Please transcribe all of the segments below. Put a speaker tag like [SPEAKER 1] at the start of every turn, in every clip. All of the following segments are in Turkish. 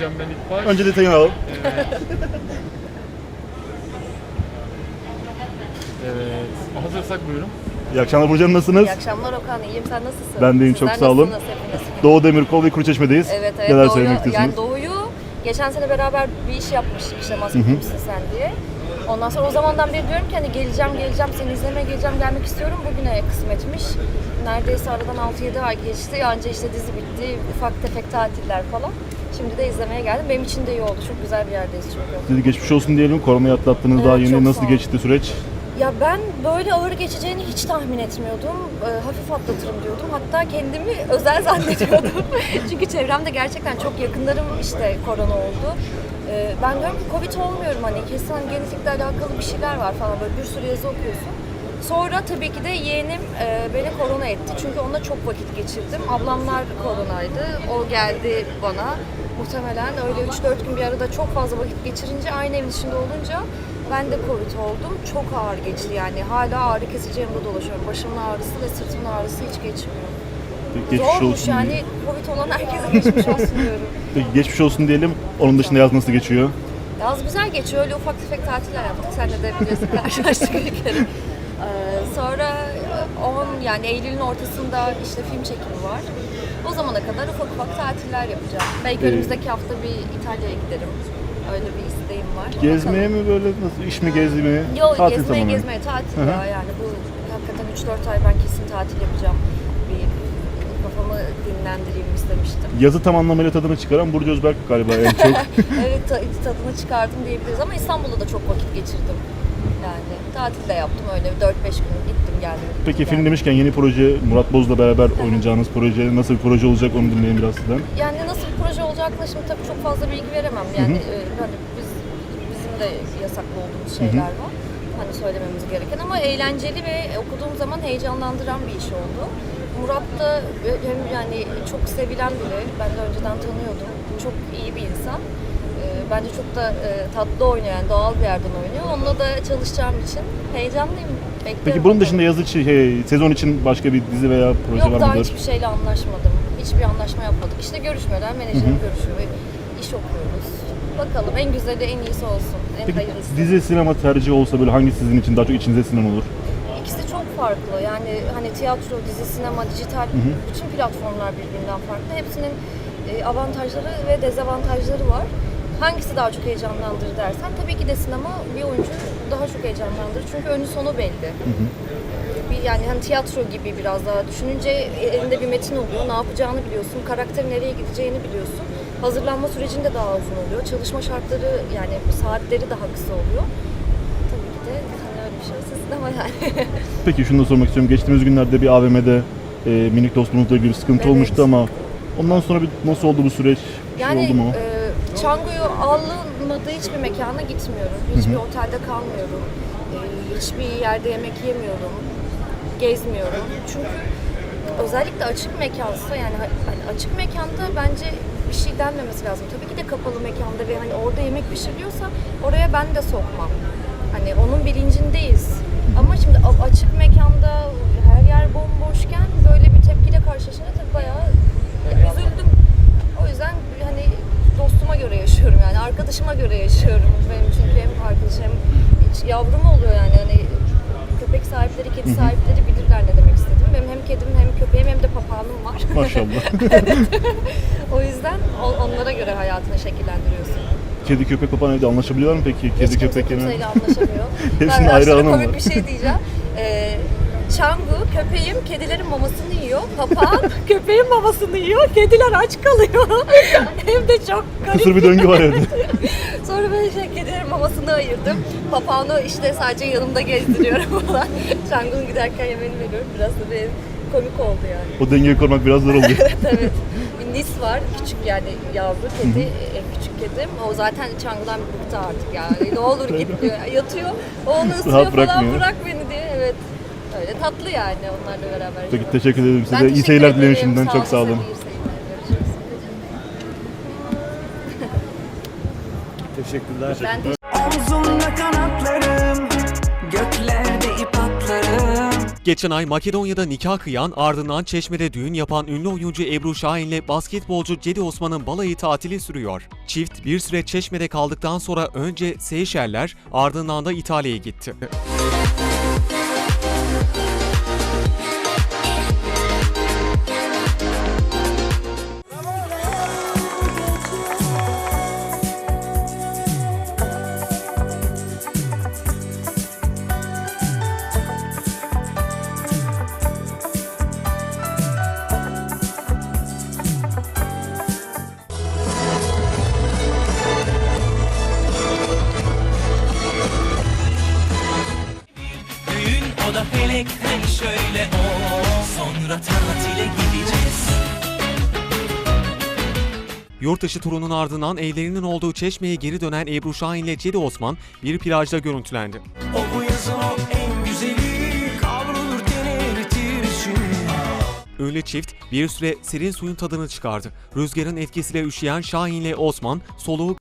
[SPEAKER 1] diyeceğim ben ilk baş.
[SPEAKER 2] Önce detayını alalım.
[SPEAKER 1] Evet. Evet. Hazırsak buyurun.
[SPEAKER 2] İyi akşamlar Burcu Hanım, nasılsınız?
[SPEAKER 3] İyi akşamlar Okan, iyiyim. Sen nasılsın?
[SPEAKER 2] Ben de iyiyim, çok
[SPEAKER 3] Sizler
[SPEAKER 2] sağ olun.
[SPEAKER 3] nasılsınız hepiniz?
[SPEAKER 2] Doğu Demirkol ve Kuruçeşme'deyiz.
[SPEAKER 3] Evet,
[SPEAKER 2] Neler
[SPEAKER 3] Doğu'yu,
[SPEAKER 2] söylemek istiyorsunuz?
[SPEAKER 3] yani Doğu'yu geçen sene beraber bir iş yapmıştık işte Maske Kimsin Sen diye. Ondan sonra o zamandan beri diyorum ki hani geleceğim, seni izlemeye geleceğim, gelmek istiyorum. Bugüne kısmetmiş. Neredeyse aradan 6-7 ay geçti. Anca işte dizi bitti, ufak tefek tatiller falan. Şimdi de izlemeye geldim. Benim için de iyi oldu. Çok güzel bir yerdeyiz çünkü.
[SPEAKER 2] Size geçmiş olsun diyelim. Koronayı atlattınız
[SPEAKER 3] Evet,
[SPEAKER 2] daha
[SPEAKER 3] çok
[SPEAKER 2] yeni. Nasıl
[SPEAKER 3] sağ olun.
[SPEAKER 2] geçti süreç?
[SPEAKER 3] Ya ben böyle ağır geçeceğini hiç tahmin etmiyordum. Hafif atlatırım diyordum. Hatta kendimi özel zannediyordum. Çünkü çevremde gerçekten çok yakınlarım işte korona oldu. Ben diyorum ki Covid olmuyorum hani kesin hani genetikle alakalı bir şeyler var falan böyle bir sürü yazı okuyorsun. Sonra tabii ki de yeğenim beni korona etti. Çünkü onunla çok vakit geçirdim. Ablamlar koronaydı. O geldi bana. Muhtemelen öyle 3-4 gün bir arada çok fazla vakit geçirince aynı evin içinde olunca ben de Covid oldum. Çok ağır geçti yani. Hala ağrı kesici yanımda dolaşıyorum. Başımın ağrısı ve sırtımın ağrısı hiç geçmiyor.
[SPEAKER 2] Geçmiş
[SPEAKER 3] Zormuş
[SPEAKER 2] olsun
[SPEAKER 3] yani.
[SPEAKER 2] diyelim.
[SPEAKER 3] Covid olan herkese geçmiş olsun diyorum.
[SPEAKER 2] Peki geçmiş olsun diyelim. Onun dışında yaz nasıl geçiyor?
[SPEAKER 3] Yaz güzel geçiyor. Öyle ufak tefek tatiller yaptık. Sen de biliyorsun karşılaştık bir kere. Sonra yani Eylül'ün ortasında işte film çekimi var. O zamana kadar ufak ufak tatiller yapacağım. Belki önümüzdeki hafta bir İtalya'ya giderim. Öyle bir isteğim var.
[SPEAKER 2] Gezmeye mi böyle, nasıl, iş mi, gezi mi?
[SPEAKER 3] Yok,
[SPEAKER 2] Tatil
[SPEAKER 3] gezmeye
[SPEAKER 2] tamamen.
[SPEAKER 3] tatil
[SPEAKER 2] Hı hı.
[SPEAKER 3] ya yani bu hakikaten 3-4 ay ben kesin tatil yapacağım. Bir kafamı dinlendireyim istemiştim.
[SPEAKER 2] Yazı tam anlamıyla tadını çıkaran Burcu Özberk galiba en çok.
[SPEAKER 3] Evet tadını çıkardım diyebiliriz ama İstanbul'da da çok vakit geçirdim. Yani tatil de yaptım öyle 4-5 gün gittim geldim.
[SPEAKER 2] Peki
[SPEAKER 3] yani.
[SPEAKER 2] film demişken yeni proje, Murat Boz'la beraber oynayacağınız proje nasıl bir proje olacak, onu dinleyin biraz sizden.
[SPEAKER 3] Yani nasıl bir proje olacakla şimdi tabii çok fazla bilgi veremem. Yani hani bizim de yasaklı olduğumuz şeyler var. Hani söylememiz gereken ama eğlenceli ve okuduğum zaman heyecanlandıran bir iş oldu. Murat da hem yani çok sevilen biri. Ben de önceden tanıyordum. Çok iyi bir insan. Bence çok da tatlı oynuyor yani doğal bir yerden oynuyor. Onunla da çalışacağım için heyecanlıyım. Bekliyorum.
[SPEAKER 2] Peki bunun dışında yaz için, sezon için başka bir dizi veya proje
[SPEAKER 3] Yok
[SPEAKER 2] var
[SPEAKER 3] daha
[SPEAKER 2] mıdır?
[SPEAKER 3] hiçbir şeyle anlaşmadım. Hiçbir anlaşma yapmadık. İşte görüşmeler, menajerim görüşüyor ve iş okuyoruz. Bakalım en güzeli en iyisi olsun. En
[SPEAKER 2] Peki
[SPEAKER 3] hayırlısı.
[SPEAKER 2] dizi, sinema tercihi olsa böyle hangisi sizin için daha çok içinize sinen olur?
[SPEAKER 3] İkisi çok farklı. Yani hani tiyatro, dizi, sinema, dijital bütün platformlar birbirinden farklı. Hepsinin avantajları ve dezavantajları var. Hangisi daha çok heyecanlandırır dersen tabii ki de sinema bir oyuncu daha çok heyecanlandırır. Çünkü önü sonu belli. Yani hani tiyatro gibi biraz daha düşününce elinde bir metin oluyor. Ne yapacağını biliyorsun. Karakterin nereye gideceğini biliyorsun. Hazırlanma sürecinde daha uzun oluyor. Çalışma şartları yani saatleri daha kısa oluyor. Tabii ki de hani öyle bir şeyse sinema yani.
[SPEAKER 2] Peki şunu da sormak istiyorum. Geçtiğimiz günlerde bir AVM'de minik dostumuzla ilgili bir sıkıntı
[SPEAKER 3] Evet.
[SPEAKER 2] olmuştu ama ondan sonra nasıl oldu bu süreç? Bir şey
[SPEAKER 3] Yani
[SPEAKER 2] oldu mu?
[SPEAKER 3] Çango'yu alınmadığı hiçbir mekana gitmiyorum. Hiçbir otelde kalmıyorum. Hiçbir yerde yemek yemiyorum. Gezmiyorum. Çünkü özellikle açık mekansa yani hani açık mekanda bence bir şey denmemesi lazım. Tabii ki de kapalı mekanda ve hani orada yemek pişiriliyorsa oraya ben de sokmam. Hani onun bilincindeyiz. Ama şimdi açık mekanda her yer bomboşken böyle bir tepkiyle karşılaşınca tabii bayağı üzüldüm. O yüzden hani dostuma göre yaşıyorum yani arkadaşıma göre yaşıyorum. Benim çünkü hem arkadaşım hem yavrum oluyor yani hani köpek sahipleri, kedi sahipleri bilirler ne demek istediğimi. Benim hem kedim hem köpeğim hem de papağanım var.
[SPEAKER 2] Maşallah.
[SPEAKER 3] O yüzden onlara göre hayatını şekillendiriyorsun.
[SPEAKER 2] Kedi, köpek, papağan evde anlaşabiliyorlar mı peki? Kedi,
[SPEAKER 3] Hiç kimse
[SPEAKER 2] köpek
[SPEAKER 3] kimseyle anlaşamıyor.
[SPEAKER 2] Hepsinin
[SPEAKER 3] Ben
[SPEAKER 2] ayrı
[SPEAKER 3] aşırı
[SPEAKER 2] anı
[SPEAKER 3] komik
[SPEAKER 2] var.
[SPEAKER 3] bir şey diyeceğim. Çangu, köpeğim kedilerin mamasını yiyor. Papağan köpeğin mamasını yiyor. Kediler aç kalıyor. Hem de çok garip.
[SPEAKER 2] Kısır bir döngü var evde.
[SPEAKER 3] Sonra böyle kedilerin mamasını ayırdım. Papağanı işte sadece yanımda gezdiriyorum falan. Çangu'nun giderken yemeğini veriyorum. Biraz da benim komik oldu yani.
[SPEAKER 2] O dengeyi korumak biraz zor oluyor.
[SPEAKER 3] Evet. Bir Nis var. Küçük yani yavru kedi. En küçük kedim. O zaten Çangu'dan bir bıktı artık yani. Ne olur git diyor. Yatıyor. O onu ısırıyor
[SPEAKER 2] Rahat
[SPEAKER 3] falan.
[SPEAKER 2] bırakmıyor.
[SPEAKER 3] Bırak beni diye. Evet. Öyle tatlı yani onlarla beraber.
[SPEAKER 2] Peki teşekkür ederim
[SPEAKER 3] Ben
[SPEAKER 2] size. İyi
[SPEAKER 3] teşekkür
[SPEAKER 2] seyirler dilerim
[SPEAKER 3] ederim.
[SPEAKER 2] şimdiden. Çok sağ olun.
[SPEAKER 3] İyi seyirler. Görüşürüz.
[SPEAKER 4] Teşekkürler.
[SPEAKER 3] Ben teşekkür
[SPEAKER 5] Omzumda kanatlarım, göklerde ip atlarım.
[SPEAKER 4] Geçen ay Makedonya'da nikah kıyan, ardından Çeşme'de düğün yapan ünlü oyuncu Ebru Şahin'le basketbolcu Cedi Osman'ın balayı tatili sürüyor. Çift bir süre Çeşme'de kaldıktan sonra önce Seyşeller, ardından da İtalya'ya gitti.
[SPEAKER 5] O da felekten şöyle sonra tatile gideceğiz.
[SPEAKER 4] Yurtdışı turunun ardından evlerinin olduğu Çeşme'ye geri dönen Ebru Şahin ile Cedi Osman bir plajda görüntülendi.
[SPEAKER 5] O bu yazın o en güzeli kavrulur eritir içini.
[SPEAKER 4] Ünlü çift bir süre serin suyun tadını çıkardı. Rüzgarın etkisiyle üşüyen Şahin ile Osman soluğu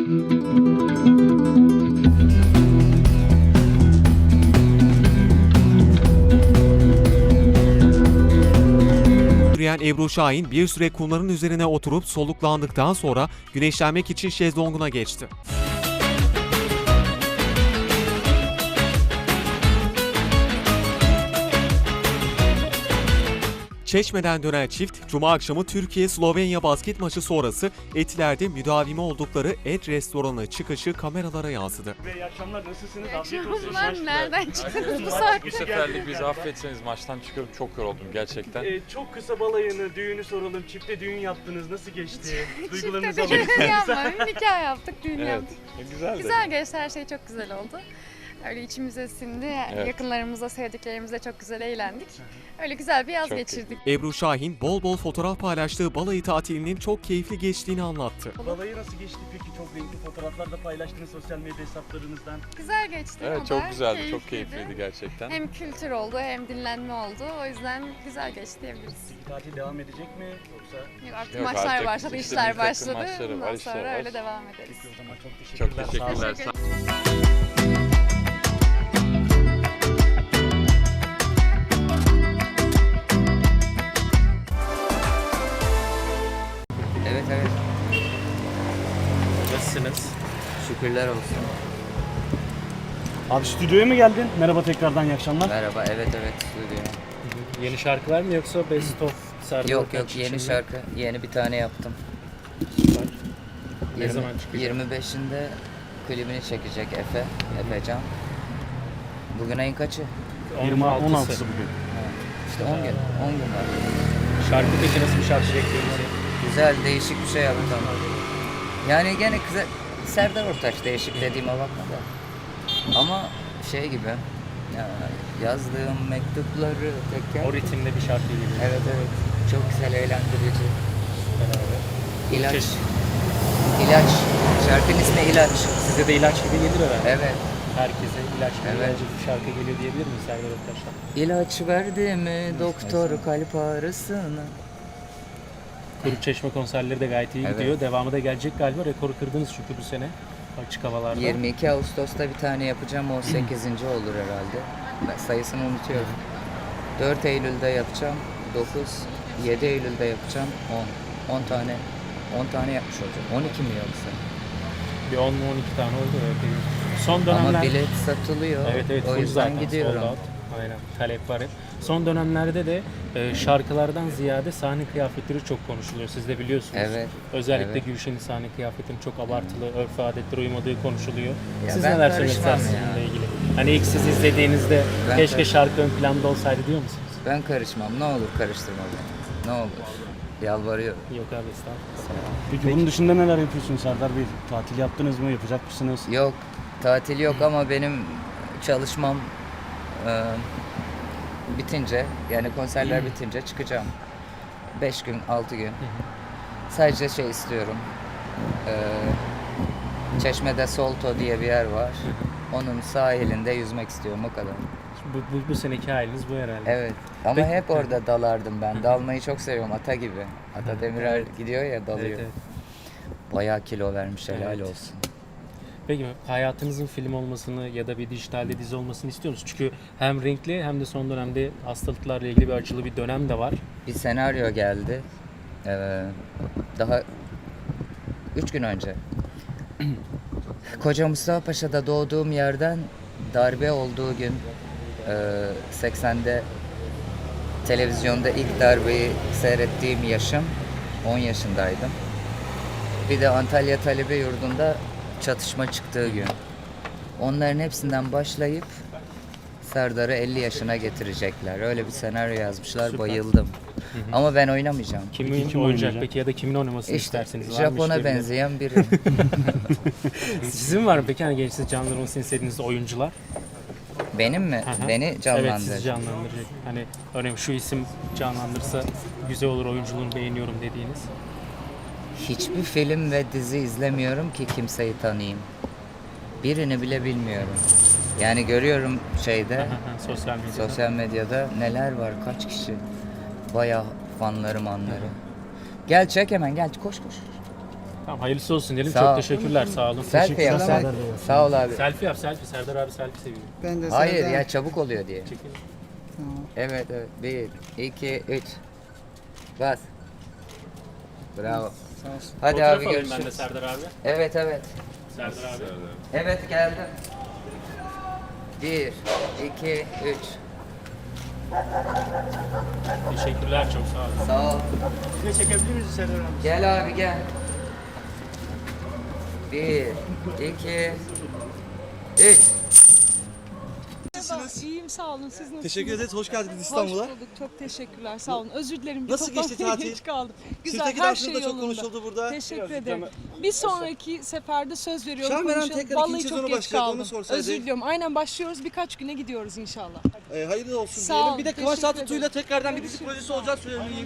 [SPEAKER 4] yürüyen Ebru Şahin bir süre kumların üzerine oturup soluklandıktan sonra güneşlenmek için şezlonguna geçti. Çeşme'den dönen çift, Cuma akşamı Türkiye-Slovenya basket maçı sonrası Etiler'de müdavimi oldukları Et restoranı çıkışı kameralara yansıdı.
[SPEAKER 2] İyi akşamlar, nasılsınız?
[SPEAKER 6] Bunlar nereden çıktınız bu saatte?
[SPEAKER 1] Bu seferlik bizi affetseniz maçtan çıkıp çok yoruldum gerçekten.
[SPEAKER 7] Çok kısa balayını, düğünü soralım. Çifte düğün yaptınız. Nasıl geçti? Duygularınızı
[SPEAKER 6] Çifte
[SPEAKER 7] alalım.
[SPEAKER 6] düğün yapmadık, nikah yaptık, düğün
[SPEAKER 1] Evet,
[SPEAKER 6] yaptık.
[SPEAKER 1] güzeldi.
[SPEAKER 6] Güzel geçti, her şey çok güzel oldu. Öyle içimize sindi,
[SPEAKER 1] Evet.
[SPEAKER 6] yakınlarımızla, sevdiklerimizle çok güzel eğlendik. Öyle güzel bir yaz
[SPEAKER 1] Çok
[SPEAKER 6] geçirdik.
[SPEAKER 4] Ebru Şahin bol bol fotoğraf paylaştığı balayı tatilinin çok keyifli geçtiğini anlattı.
[SPEAKER 7] Balayı nasıl geçti peki? Çok renkli fotoğraflar da paylaştınız sosyal medya hesaplarınızdan.
[SPEAKER 6] Güzel geçti.
[SPEAKER 1] Evet,
[SPEAKER 6] o da
[SPEAKER 1] çok güzeldi, çok keyifliydi gerçekten.
[SPEAKER 6] Hem kültür oldu, hem dinlenme oldu. O yüzden güzel geçti diyebiliriz.
[SPEAKER 7] Peki tatil devam edecek mi? Yoksa
[SPEAKER 6] Yok, artık
[SPEAKER 1] Yok,
[SPEAKER 6] maçlar
[SPEAKER 1] artık
[SPEAKER 6] başladı,
[SPEAKER 1] işte
[SPEAKER 6] işler
[SPEAKER 1] milli takım
[SPEAKER 6] başladı.
[SPEAKER 1] maçları var,
[SPEAKER 6] Ondan
[SPEAKER 1] işler
[SPEAKER 6] sonra
[SPEAKER 1] var.
[SPEAKER 6] öyle devam ederiz.
[SPEAKER 7] peki o zaman çok
[SPEAKER 1] Çok
[SPEAKER 7] teşekkürler. Sağ olun.
[SPEAKER 1] teşekkürler.
[SPEAKER 8] Evet evet.
[SPEAKER 7] Nasılsınız?
[SPEAKER 8] Şükürler olsun.
[SPEAKER 7] Abi stüdyoya mı geldin? Merhaba tekrardan, iyi akşamlar.
[SPEAKER 8] Merhaba. Evet evet stüdyo.
[SPEAKER 7] Yeni şarkılar mı yoksa Best of Serdar
[SPEAKER 8] Yok
[SPEAKER 7] Ortaç
[SPEAKER 8] yeni
[SPEAKER 7] için mi?
[SPEAKER 8] şarkı. Yeni bir tane yaptım.
[SPEAKER 7] Ne zaman çıkacak?
[SPEAKER 8] 25'inde klibini çekecek Efecan. Bugün ayın kaçı?
[SPEAKER 7] 16'sı bugün.
[SPEAKER 8] İşte 10 gün. 10 gün var.
[SPEAKER 7] Şarkı peki nasıl bir şarkı bekliyorsunuz?
[SPEAKER 8] Güzel değişik bir şey yaptım. Yani gene güzel. Serdar Ortaç değişik dediğime bakma da. Ama şey gibi. Ya, yazdığım mektupları teker.
[SPEAKER 7] O ritimde bir şarkı gibi.
[SPEAKER 8] Evet evet. Çok güzel eğlendirici. İlaç. İlaç. Şarkının ismi İlaç.
[SPEAKER 7] Size de ilaç gibi gelir herhalde.
[SPEAKER 8] Evet.
[SPEAKER 7] Herkese ilaç gibi
[SPEAKER 8] Evet.
[SPEAKER 7] gelecek bir şarkı geliyor diyebilir miyiz Serdar Ortaç'tan?
[SPEAKER 8] İlaç verdi mi doktor kalp ağrısına?
[SPEAKER 7] Kuruçeşme konserleri de gayet iyi
[SPEAKER 8] Evet.
[SPEAKER 7] gidiyor. Devamı da gelecek galiba. Rekoru kırdınız çünkü bu sene açık havalarda.
[SPEAKER 8] 22 Ağustos'ta bir tane yapacağım. O 8. olur herhalde. Ben sayısını unutuyorum. 4 Eylül'de yapacağım. 9, 7 Eylül'de yapacağım. 10. 10 tane. 10 tane yapmış olacağım. 12 mi yoksa?
[SPEAKER 7] Bir 10 mu 12 tane oldu. Evet. Son dönemler...
[SPEAKER 8] Ama bilet satılıyor.
[SPEAKER 7] Evet evet,
[SPEAKER 8] O
[SPEAKER 7] full
[SPEAKER 8] yüzden
[SPEAKER 7] zaten,
[SPEAKER 8] gidiyorum.
[SPEAKER 7] sold out. Aynen, talep var hep. Son dönemlerde de şarkılardan ziyade sahne kıyafetleri çok konuşuluyor. Siz de biliyorsunuz.
[SPEAKER 8] Evet,
[SPEAKER 7] Özellikle
[SPEAKER 8] evet.
[SPEAKER 7] Gülşen'in sahne kıyafetinin çok abartılı, örf ve adetlere uymadığı konuşuluyor.
[SPEAKER 8] Ya
[SPEAKER 7] Siz
[SPEAKER 8] ben
[SPEAKER 7] neler söylemek
[SPEAKER 8] karışmam
[SPEAKER 7] istersiniz
[SPEAKER 8] ya.
[SPEAKER 7] bununla ilgili? Hani ilk siz izlediğinizde
[SPEAKER 8] Ben
[SPEAKER 7] keşke
[SPEAKER 8] karışmam.
[SPEAKER 7] şarkı ön planda olsaydı diyor musunuz?
[SPEAKER 8] Ben karışmam. Ne olur karıştırma beni. Ne olur. Yalvarıyorum.
[SPEAKER 7] Yok abi, estağfurullah.
[SPEAKER 9] Peki bunun dışında neler yapıyorsunuz Serdar Bey? Tatil yaptınız mı? Yapacak mısınız?
[SPEAKER 8] Yok. Tatil yok ama benim çalışmam bitince, yani konserler bitince çıkacağım. 5 gün, 6 gün. Sadece şey istiyorum. Çeşme'de Solto diye bir yer var. Onun sahilinde yüzmek istiyorum, o kadar.
[SPEAKER 7] Bu seneki haliniz bu herhalde.
[SPEAKER 8] Evet. Ama
[SPEAKER 7] Peki.
[SPEAKER 8] hep orada dalardım ben. Dalmayı çok seviyorum, ata gibi. Ata Demirer gidiyor ya, dalıyor.
[SPEAKER 7] Evet, evet.
[SPEAKER 8] Bayağı kilo vermiş, helal
[SPEAKER 7] Evet.
[SPEAKER 8] olsun.
[SPEAKER 7] Peki hayatınızın film olmasını ya da bir dijitalde dizi olmasını istiyor musunuz? Çünkü hem renkli hem de son dönemde hastalıklarla ilgili bir acılı bir dönem de var.
[SPEAKER 8] Bir senaryo geldi. Daha 3 gün önce. Koca Mustafa Paşa'da doğduğum yerden darbe olduğu gün 80'de televizyonda ilk darbeyi seyrettiğim yaşım 10 yaşındaydım. Bir de Antalya Talebe Yurdu'nda çatışma çıktığı gün. Onların hepsinden başlayıp Serdar'ı 50 yaşına getirecekler. Öyle bir senaryo yazmışlar.
[SPEAKER 7] Süper.
[SPEAKER 8] bayıldım. Ama ben oynamayacağım.
[SPEAKER 7] Kimin
[SPEAKER 9] Peki kim
[SPEAKER 7] oynayacak
[SPEAKER 9] oynayacak?
[SPEAKER 7] peki ya da kimin oynamasını
[SPEAKER 8] İşte
[SPEAKER 7] isterseniz? Var mı
[SPEAKER 8] Japon'a
[SPEAKER 7] işlerinde?
[SPEAKER 8] benzeyen biri.
[SPEAKER 7] Sizin var mı peki hani gençsiz canlandırmasını istediğiniz oyuncular?
[SPEAKER 8] Benim mi?
[SPEAKER 7] Hı hı.
[SPEAKER 8] Beni
[SPEAKER 7] Evet,
[SPEAKER 8] canlandıracak.
[SPEAKER 7] sizi canlandıracak. Hani örneğin şu isim canlandırsa güzel olur, oyunculuğunu beğeniyorum dediğiniz.
[SPEAKER 8] Hiçbir film ve dizi izlemiyorum ki kimseyi tanıyayım. Birini bile bilmiyorum. Yani görüyorum şeyde,
[SPEAKER 7] Sosyal medyada.
[SPEAKER 8] sosyal medyada neler var, kaç kişi. Bayağı fanlarım anları. Gel çek hemen, gel koş koş.
[SPEAKER 7] Tamam, hayırlısı olsun diyelim.
[SPEAKER 8] Sağ
[SPEAKER 7] Çok
[SPEAKER 8] ol.
[SPEAKER 7] teşekkürler, sağ olun.
[SPEAKER 8] Selfie yap.
[SPEAKER 9] Serdar Bey.
[SPEAKER 8] Sağ ol abi.
[SPEAKER 7] Selfie yap, selfie. Serdar abi selfie seviyor.
[SPEAKER 10] Ben de
[SPEAKER 8] Hayır
[SPEAKER 10] Serdar.
[SPEAKER 8] ya çabuk oluyor diye.
[SPEAKER 7] Çekin.
[SPEAKER 8] Evet evet. 1, 2, 3. Bas. Bravo. Hadi
[SPEAKER 7] Fotoğraf
[SPEAKER 8] abi
[SPEAKER 7] alayım ben de
[SPEAKER 8] görüşürüz.
[SPEAKER 7] Serdar abi.
[SPEAKER 8] Evet evet.
[SPEAKER 7] Serdar abi.
[SPEAKER 8] Evet geldim. 1, 2, 3.
[SPEAKER 7] Teşekkürler, çok sağ olun.
[SPEAKER 8] Sağ ol.
[SPEAKER 9] Ne çekebilir miyiz Serdar abi?
[SPEAKER 8] Gel abi gel. 1, 2, 3.
[SPEAKER 10] İyiyim sağ olun. Siz nasılsınız?
[SPEAKER 11] Teşekkür ederiz. Hoş geldiniz İstanbul'a.
[SPEAKER 10] Hoş bulduk. Çok teşekkürler. Sağ olun. Özür dilerim. Bir
[SPEAKER 11] Nasıl geçti
[SPEAKER 10] toplantıya
[SPEAKER 11] tatil?
[SPEAKER 10] Geç kaldım. Güzel.
[SPEAKER 11] Sirtaki
[SPEAKER 10] Her
[SPEAKER 11] dansınız
[SPEAKER 10] şey
[SPEAKER 11] da çok
[SPEAKER 10] yolunda.
[SPEAKER 11] konuşuldu burada.
[SPEAKER 10] Teşekkür ederim. Bir sonraki seferde söz veriyorum.
[SPEAKER 11] Şahan Beren
[SPEAKER 10] konuşalım.
[SPEAKER 11] tekrar
[SPEAKER 10] Vallahi
[SPEAKER 11] ikinci
[SPEAKER 10] çok
[SPEAKER 11] sezonu
[SPEAKER 10] geç
[SPEAKER 11] başlayacak, onu
[SPEAKER 10] kaldım.
[SPEAKER 11] sorsaydı.
[SPEAKER 10] Özür diliyorum. Aynen başlıyoruz. Birkaç güne gidiyoruz inşallah.
[SPEAKER 11] Hayırlı olsun
[SPEAKER 10] Sağ
[SPEAKER 11] diyelim.
[SPEAKER 10] olun,
[SPEAKER 11] Bir de Kıvanç
[SPEAKER 10] teşekkür
[SPEAKER 11] Tatlıtuğ'yla
[SPEAKER 10] ederim.
[SPEAKER 11] tekrardan bir dizi projesi olacak söyleyeyim.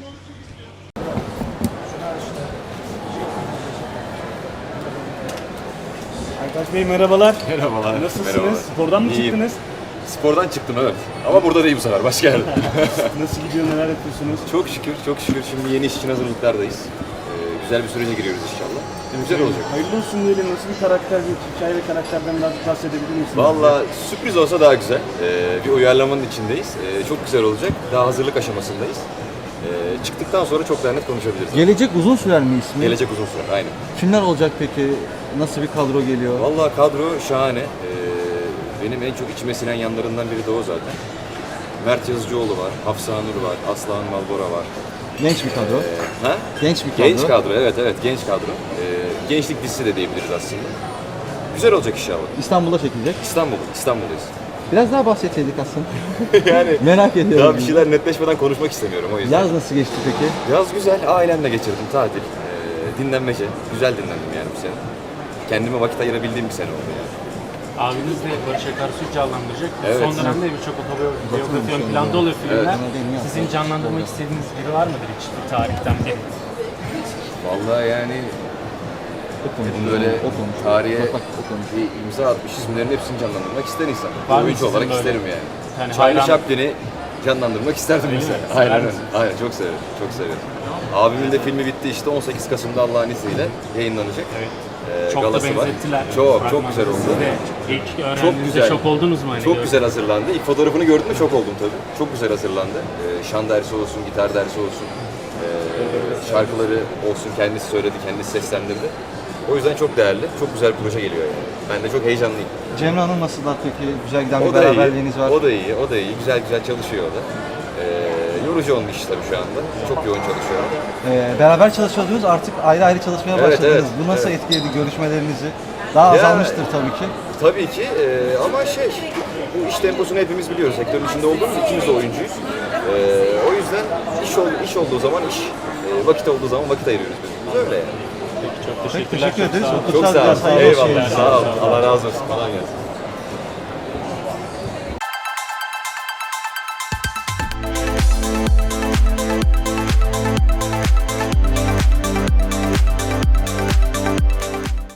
[SPEAKER 9] Aytaç Bey merhabalar.
[SPEAKER 12] Merhabalar.
[SPEAKER 9] Nasılsınız?
[SPEAKER 12] Merhabalar.
[SPEAKER 9] Spordan mı
[SPEAKER 12] İyiyim.
[SPEAKER 9] çıktınız?
[SPEAKER 12] Spordan çıktım evet. Ama burada değil bu sefer. Başka yerde.
[SPEAKER 9] Nasıl gidiyor, neler yapıyorsunuz?
[SPEAKER 12] Çok şükür, çok şükür. Şimdi yeni iş için hazırlıklardayız. Güzel bir sürece giriyoruz inşallah. Güzel olacak.
[SPEAKER 9] Hayırlı olsun diyelim. Nasıl bir karakter, bir hikaye ve karakterden birazcık bahsedebilir misiniz?
[SPEAKER 12] Valla sürpriz olsa daha güzel. Bir uyarlamanın içindeyiz. Çok güzel olacak. Daha hazırlık aşamasındayız. Çıktıktan sonra çok daha net konuşabiliriz.
[SPEAKER 11] Gelecek uzun sürer mi ismi?
[SPEAKER 12] Gelecek uzun süre, aynen.
[SPEAKER 11] Kimler olacak peki? Nasıl bir kadro geliyor?
[SPEAKER 12] Valla kadro şahane. Benim en çok içime sinen yanlarından biri de o zaten. Mert Yazıcıoğlu var, Hafsa Nur var, Aslan Malbora var.
[SPEAKER 11] Genç bir kadro.
[SPEAKER 12] Ha?
[SPEAKER 11] Genç bir kadro.
[SPEAKER 12] Genç kadro, evet genç kadro. Gençlik dizisi de diyebiliriz aslında. Güzel olacak inşallah.
[SPEAKER 11] İstanbul'da çekilecek.
[SPEAKER 12] İstanbul'dayız.
[SPEAKER 11] Biraz daha bahsetseydik aslında.
[SPEAKER 12] Yani
[SPEAKER 11] Merak ediyorum.
[SPEAKER 12] daha bir şeyler netleşmeden konuşmak istemiyorum o yüzden.
[SPEAKER 11] Yaz nasıl geçti peki?
[SPEAKER 12] Yaz güzel, ailemle geçirdim tatil. Dinlenmece, güzel dinlendim yani bu sene. Kendime vakit ayırabildiğim bir sene oldu yani.
[SPEAKER 7] Abiniz de Barış Akarsu'yu canlandıracak.
[SPEAKER 12] Evet.
[SPEAKER 7] Son dönemde birçok otobiyografi ön planda oluyor filmler.
[SPEAKER 12] Evet.
[SPEAKER 7] Sizin canlandırmak istediğiniz biri var mıdır hiç bir tarihten biri?
[SPEAKER 12] Vallahi yani böyle tarihe bir imza atmış isimlerin hepsini canlandırmak ister insan.
[SPEAKER 7] Var mı
[SPEAKER 12] Oyuncu
[SPEAKER 7] sizin
[SPEAKER 12] olarak
[SPEAKER 7] böyle?
[SPEAKER 12] isterim yani.
[SPEAKER 7] Yani
[SPEAKER 12] Charlie
[SPEAKER 7] hayran-
[SPEAKER 12] Chaplin'i canlandırmak isterdim
[SPEAKER 7] Öyle
[SPEAKER 12] mesela.
[SPEAKER 7] mi? Sever
[SPEAKER 12] Aynen,
[SPEAKER 7] misiniz?
[SPEAKER 12] aynen çok severim, çok severim. Abimin de filmi bitti işte 18 Kasım'da Allah'ın izniyle yayınlanacak.
[SPEAKER 7] Evet. Çok da
[SPEAKER 12] galası var.
[SPEAKER 7] benzettiler.
[SPEAKER 12] Çok güzel oldu.
[SPEAKER 7] Siz de ilk
[SPEAKER 12] Çok
[SPEAKER 7] öğrendiğinizde
[SPEAKER 12] güzel.
[SPEAKER 7] şok oldunuz mu? Hani
[SPEAKER 12] Çok güzel hazırlandı. İlk fotoğrafını gördüm de şok oldum tabii. Çok güzel hazırlandı. Şan dersi olsun, gitar dersi olsun, şarkıları olsun kendisi söyledi, kendisi seslendirdi. O yüzden çok değerli, çok güzel bir proje geliyor yani. Ben de çok heyecanlıyım.
[SPEAKER 11] Cemre Hanım nasıllar peki? Güzel giden bir
[SPEAKER 12] O da iyi,
[SPEAKER 11] beraberliğiniz var.
[SPEAKER 12] o da iyi, o da iyi. Güzel çalışıyor o da. Yorucu onun iş tabii şu anda. Çok yoğun çalışıyor.
[SPEAKER 11] Beraber çalışıyordunuz, artık ayrı ayrı çalışmaya
[SPEAKER 12] Evet,
[SPEAKER 11] başladınız.
[SPEAKER 12] evet,
[SPEAKER 11] Bu nasıl
[SPEAKER 12] evet.
[SPEAKER 11] etkiledi görüşmelerinizi? Daha
[SPEAKER 12] Ya-
[SPEAKER 11] azalmıştır tabii ki.
[SPEAKER 12] Tabii ki ama bu iş temposunu hepimiz biliyoruz. Sektörün içinde olduğumuz ikimiz de oyuncuyuz. O yüzden iş olduğu zaman iş, vakit olduğu zaman vakit ayırıyoruz biz. Öyle yani.
[SPEAKER 7] Peki, çok
[SPEAKER 11] Peki,
[SPEAKER 7] teşekkürler.
[SPEAKER 11] teşekkür ederiz.
[SPEAKER 7] Çok sağ olun.
[SPEAKER 12] Çok sağ
[SPEAKER 11] Hayırlı
[SPEAKER 12] olun.
[SPEAKER 11] olsun.
[SPEAKER 12] Eyvallah. Sağ olun. Allah razı olsun. Kolay gelsin.